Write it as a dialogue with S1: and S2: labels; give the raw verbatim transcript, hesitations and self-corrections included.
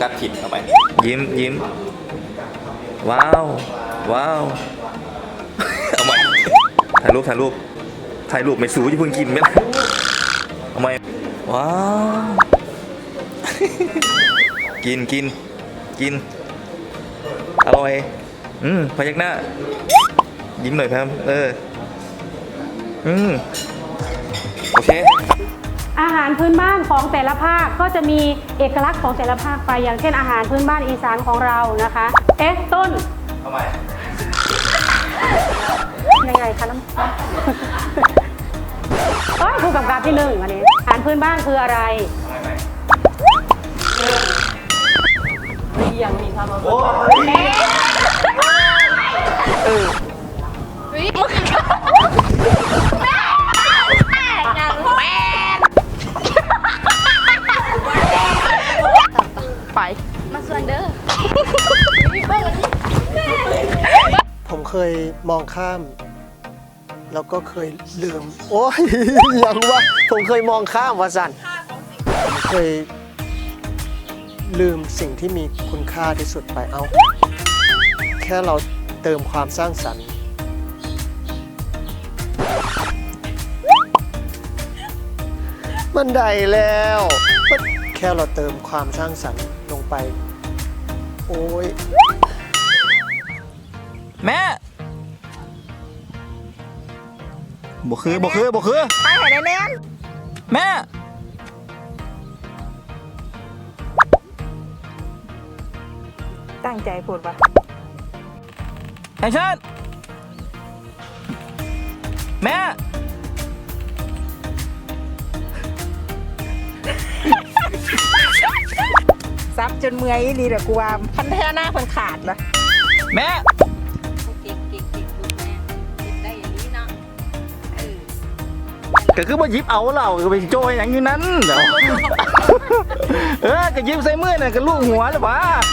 S1: กัสผิดเอาไปยิ้มยิ้มว้าวว้าวเอาใหม่ถ่ายรูปถ่ายรูปถ่ายรูปไม่สูจะเพิ่งกินไหมล่ะเอาใหม่ว้าวกินกินกินอร่อยอืมพยักหน้ายิ้มหน่อยครับเอออืมโอเค
S2: อาหารพื้นบ้านของแต่ละภาคก็จะมีเอกลักษณ์ของแต่ละภาคไปอย่างเช่นอาหารพื้นบ้านอีสานของเรานะคะเอ๊ะต้น
S1: ทำไม
S2: ยังไงคะน้ำโอ้ยผู้กำกับที่หนึ่งวันนี้อาหารพื้นบ้านคืออะไรยังมีความอดทนเออไปมาส่วนเด้อ
S3: ผมเคยมองข้ามแล้วก็เคยลืมโอ้ยยังวะผมเคยมองข้ามวะสันผมเคยลืมสิ่งที่มีคุณค่าที่สุดไปเอาแค่เราเติมความสร้างสรรค์มันได้แล้วแค่เราเติมความสร้างสรรค์ลงไปโอ้ย
S1: แม่บ่คือบ่คือบ่คือ
S4: ไปหายแน่น
S1: แม่
S4: ตั้งใจพูดปะ
S1: ไอ้ชันแม่
S4: ซับจนเมื่อยนี่เดี๋ยวกูว่าพันแท้หน้าพันขาดละ
S1: แม่ก็คือว่ายิบเอาเราก็ไปโจยอย่างนี้นั้นเดี๋ยวเออก็ยิบใส่มือน่ะก็ลูกหัวหรือเปล่า